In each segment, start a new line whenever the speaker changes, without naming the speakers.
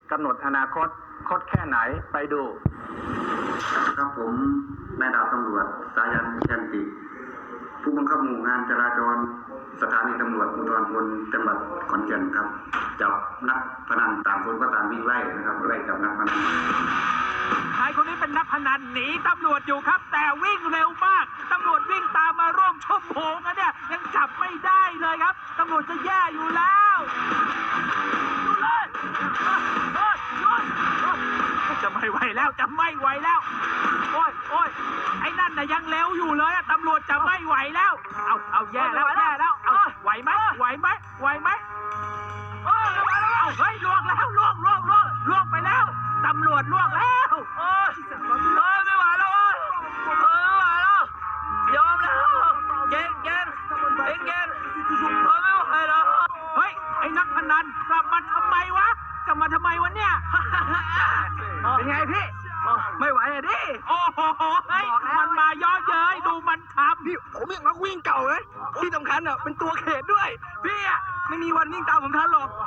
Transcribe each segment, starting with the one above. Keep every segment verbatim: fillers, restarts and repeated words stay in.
กำหนดอนาคตคดแค่ไหนไปดู
ครับผมนายดาวตำรวจสายันแคนติผู้บังคับหมู่งานจราจรสถานีตำรวจภูธรพลจังหวัดขอนแก่นครับจับนักพนันต่างคนก็ต่างวิ่งไล่นะครับไล่จับนักพนัน
ชายคนนี้เป็นนักพนันหนีตำรวจอยู่ครับแต่วิ่งเร็วมากตำรวจวิ่งตามมาร่วมชั่วโมงนะเนี่ยยังจับไม่ได้เลยครับตำรวจจะแย่อยู่แล้วอยู่เลยโอ๊ยโอ๊ยจะไม่ไหวแล้วจะไม่ไหวแล้วโอ๊ยโอ๊ยไอ้นั่นน่ะยังเร็วอยู่เลยตำรวจจะไม่ไหวแล้วเอาเอาแย่แล้วแย่แล้วเอาไหวไหมไหวไหมไหวไหมเอาเฮ้ยล่วงแล้วล่วงล่วงล่วงล่วงไปแล้วตำรวจล่วงแล้วโอ้ยเฮ้ยไม่ไหวแล้วเฮ้ยไม่ไหวแล้วยอมแล้วเก่งเก่งเก่งเก่งเฮ้ยไม่ไหวแล้วเฮ้ยไอ้นักพนันกลับมาทำไมวะกลับมาทำไมวะเนี่ยเป็นไงพี่ไม่ไหวอะดิโอ้โหเฮ้ยมันมาย่อเย้ยดูมันทำพี่ผมยังนักวิ่งเก่าเลยที่สำคัญอ่ะเป็นตัวเขตด้วยพี่อ่ะไม่มีวันวิ่งตามผมทันหรอก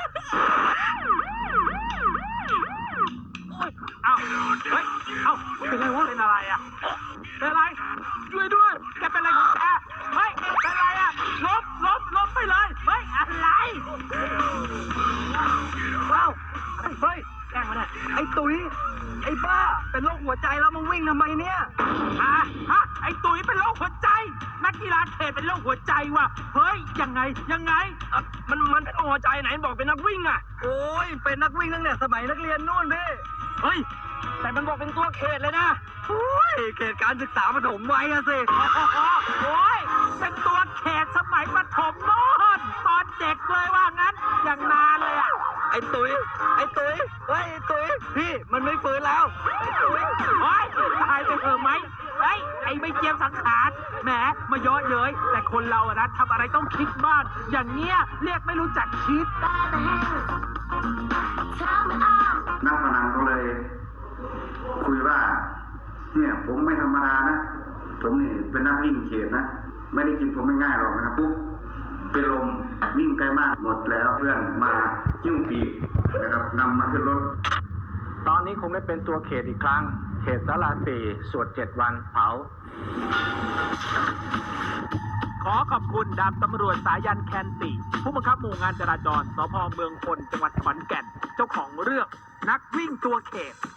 เอ้าเฮ้ยเอ้าเป็นไรวะเป็นอะไรอ่ะเป็นอะไรช่วยด้วยแกเป็นอะไรของแกเฮ้ยเป็นอะไรอ่ะล้มล้มล้มไปเลยเฮ้ยอะไรเอ้าเฮ้ยแกล้งมาเนี่ยไอ้ตุ้ยไอ้บ้าเป็นโรคหัวใจแล้วมึงวิ่งทำไมเนี่ยฮะฮะไอ้ตุ้ยเป็นโรคหัวใจนักกีฬาเขตเป็นโรคหัวใจว่ะเฮ้ยยังไงยังไงมันมันเป็นโรคหัวใจไหนบอกเป็นนักวิ่งอ่ะโอ้ยเป็นนักวิ่งตั้งแต่สมัยนักเรียนนู่นพี่เฮ้ยแต่มันบอกเป็นตัวเขตเลยนะโอ้ยเขตการศึกษาประถมไว้อะสิโอ้ยเป็นตัวเขตสมัยประถมโน่นตอนเด็กเลยว่างั้นอย่างนานเลยอะไอ้ตุ้ยไอ้ตุ้ยเฮ้ยไอ้ตุ้ยพี่มันไม่ฟื้นแล้วไอ้ตุ้ยเฮ้ยตายไปเถอะไหมเฮ้ยไอ้ไม่เจียมสังขารแหมมาเยอะเย้ยแต่คนเราอะนะทำอะไรต้องคิดบ้างอย่างเงี้ยเรียกไม่รู้จักคิด
นักพนันก็เลยคุยว่าเนี่ยผมไม่ธรรมดานะผมนี่เป็นนักวิ่งเขตนะไม่ได้กินผมไม่ง่ายหรอกนะครับปุ๊บเป็นลมวิ่งไกลมากหมดแล้วเพื่อนมายิ้วปีกนะครับนำมาขึ้นรถ
ตอนนี้คงไม่เป็นตัวเขตอีกครั้งเขตสาราสี่สวดเจ็ดวันเผา
ขอขอบคุณดาบตำรวจสายันแคนติผู้บังคับหมู่งานจราจรสภ.เมืองพลจังหวัดขอนแก่นเจ้าของเรื่องนักวิ่งตัวเขต